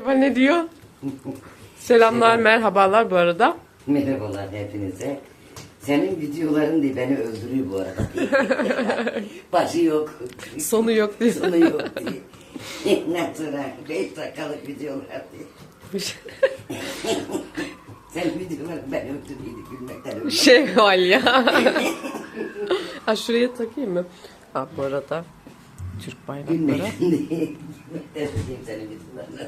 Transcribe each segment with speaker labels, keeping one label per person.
Speaker 1: Kemal ne diyor? Selamlar, merhabalar bu arada.
Speaker 2: Merhabalar hepinize. Senin videoların diye beni öldürüyor bu arada. Başı yok.
Speaker 1: Sonu yok diyor.
Speaker 2: Sonu yok diye. Ne sonra 5 dakikalık videolar diye. Senin videoların beni öldürüyordu gülmekten öldürüyor.
Speaker 1: Şevval ya. Ha şuraya takayım mı? Ha bu arada Türk bayrakları.
Speaker 2: Gülmekten değil. Gülmekten öldürüyor senin videolarını.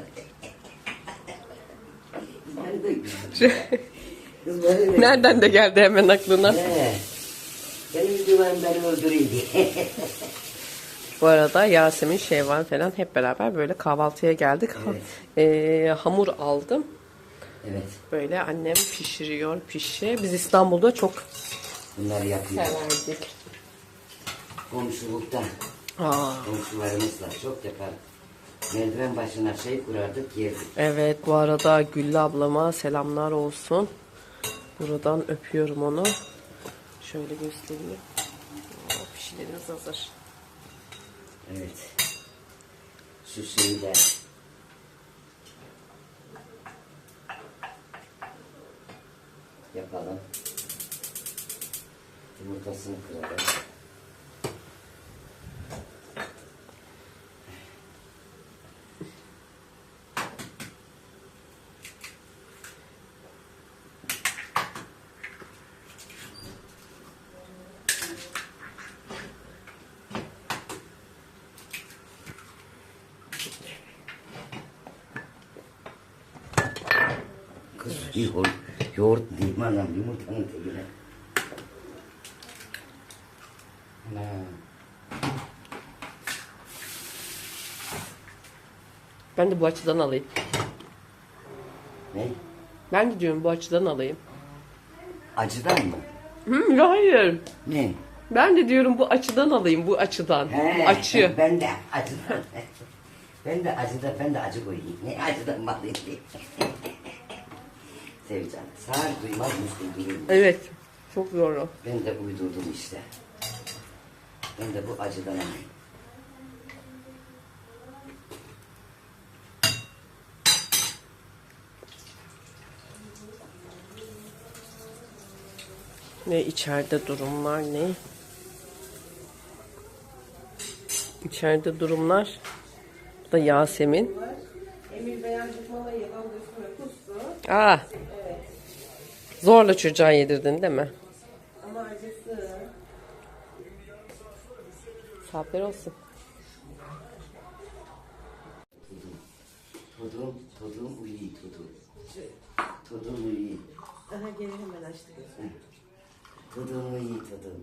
Speaker 2: Ben de Kız böyle
Speaker 1: Nereden de geldi hemen aklına?
Speaker 2: Benim videolarım beni öldürüyor diye.
Speaker 1: Bu arada Yasemin, Şevval falan hep beraber böyle kahvaltıya geldik.
Speaker 2: Evet.
Speaker 1: Hamur aldım.
Speaker 2: Evet.
Speaker 1: Böyle annem pişiriyor pişi. Biz İstanbul'da çok
Speaker 2: Bunları yapıyoruz.
Speaker 1: severdik.
Speaker 2: Komşulukta.
Speaker 1: Aa,
Speaker 2: Komşularımızla çok yapar. Merdiven başına şey kurardık yerdik.
Speaker 1: evet bu arada Güllü ablama selamlar olsun. Buradan öpüyorum onu. Şöyle göstereyim. Pişilerimiz hazır.
Speaker 2: Evet. Şu şeyi de yapalım. Yumurtasını kıralım. Kız yoğurt diyeyim anam yumurtanın tekine. Ana.
Speaker 1: Ben de bu açıdan alayım.
Speaker 2: Ne?
Speaker 1: Ben de diyorum bu açıdan alayım.
Speaker 2: Acıdan mı?
Speaker 1: Hayır.
Speaker 2: Ne?
Speaker 1: Ben de diyorum bu açıdan alayım, bu açıdan. Açı.
Speaker 2: Ben de acıdan. Ben de acı koyayım. Ne acıdan mı alayım? Sevcan, sağır duymaz mısın bilmiyorum.
Speaker 1: Evet. Çok zor o.
Speaker 2: Ben de uydurdum işte. Ben de bu acıdan alayım.
Speaker 1: Ne içeride durumlar ne? İçeride durumlar. Bu da Yasemin.
Speaker 3: Emir beğendik malayı aldı üstüne kustu.
Speaker 1: Aa.
Speaker 3: Evet.
Speaker 1: Zorla çocuğa yedirdin değil mi?
Speaker 3: Ama acısı.
Speaker 1: Saatler olsun.
Speaker 2: Todum uyuyor todum. Todum uyuyor.
Speaker 3: Daha geri hemen açtı gözünü.
Speaker 2: Todum uyuyor todum.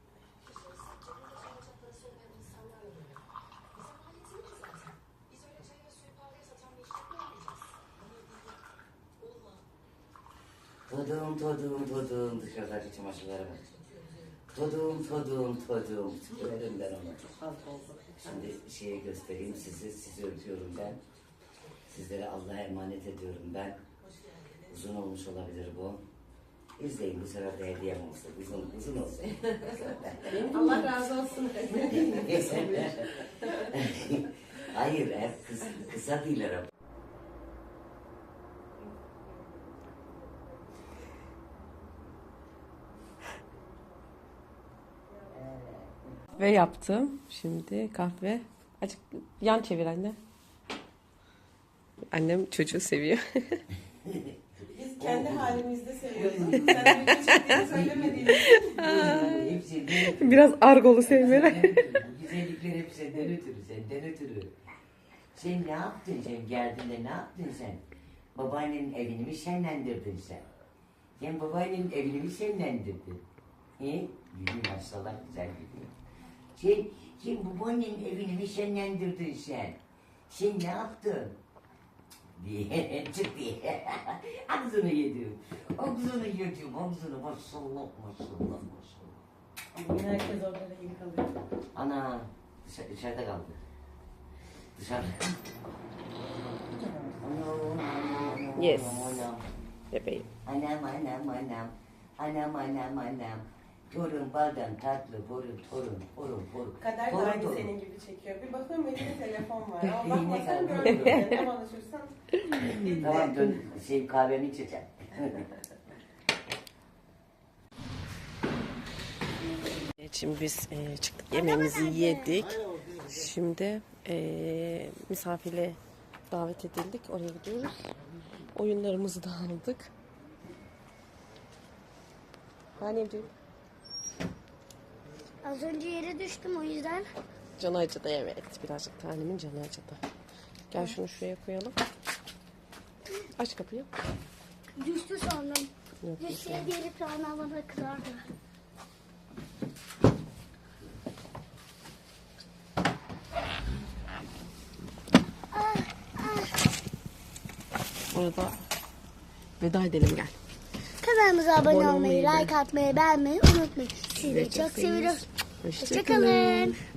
Speaker 2: Todum dışarıdaki çamaşırlara bak. Todum. Verim ben ona. Şimdi şeyi göstereyim sizi öpüyorum ben. Sizlere Allah'a emanet ediyorum ben. Uzun olmuş olabilir bu. İzleyin bu sefer de hediyem olsun. Uzun olsun.
Speaker 3: Allah razı olsun.
Speaker 2: Hayır hep kısa değiller hep.
Speaker 1: Ve yaptım. Şimdi kahve. Azıcık yan çevir anne. Annem çocuğu seviyor.
Speaker 3: Biz kendi halimizde seviyoruz. Sen bir çektiğini söylemediğin
Speaker 1: Biraz argolu sevmeler.
Speaker 2: Bu güzellikler hep senden ötürü. Sen ne yaptın sen geldiğinde ne yaptın sen? Babaannenin evini mi şenlendirdin sen? Sen babaannenin evini mi şenlendirdin? Gülüyor maşallah güzel gülüyor. Sen babaannenin evini mi şenlendirdin sen? Sen ne yaptın? Diye çık diye. Ağzını yedim. Ağzını maşallah.
Speaker 3: herkes orada da iyi kalıyor.
Speaker 2: Ana dışarıda kaldı. Dışarıda.
Speaker 1: Yes. Bebeğim.
Speaker 2: Anam. Torun baldan tatlı, torun.
Speaker 3: Kader de
Speaker 2: Torun,
Speaker 3: aynı
Speaker 2: torun.
Speaker 3: senin gibi çekiyor. Bir bakıyorum elinde telefon var. Ama
Speaker 2: Ne
Speaker 3: bakmasan
Speaker 2: kadar
Speaker 3: görmüyorum. Ne konuşursan.
Speaker 2: Tamam dön, kahvemi içeceğim.
Speaker 1: Şimdi biz çıktık, yemeğimizi yedik. Şimdi misafirle davet edildik. Oraya gidiyoruz. Oyunlarımızı da aldık. Anneciğim.
Speaker 4: Az önce yere düştüm o yüzden.
Speaker 1: Canı acıdı, evet. Birazcık tanemin canı acıdı. Gel şunu şuraya koyalım. Aç kapıyı.
Speaker 4: Düştü sandım.
Speaker 1: Yok,
Speaker 4: Düşseydi diğeri sonra bana kızardı.
Speaker 1: Orada veda edelim, gel.
Speaker 4: Kanalımıza abone
Speaker 1: Abone
Speaker 4: olmayı,
Speaker 1: olmayı,
Speaker 4: like atmayı, beğenmeyi unutmayın. Sizi çok seviyoruz.
Speaker 1: Hoşçakalın.
Speaker 4: Hoşçakalın.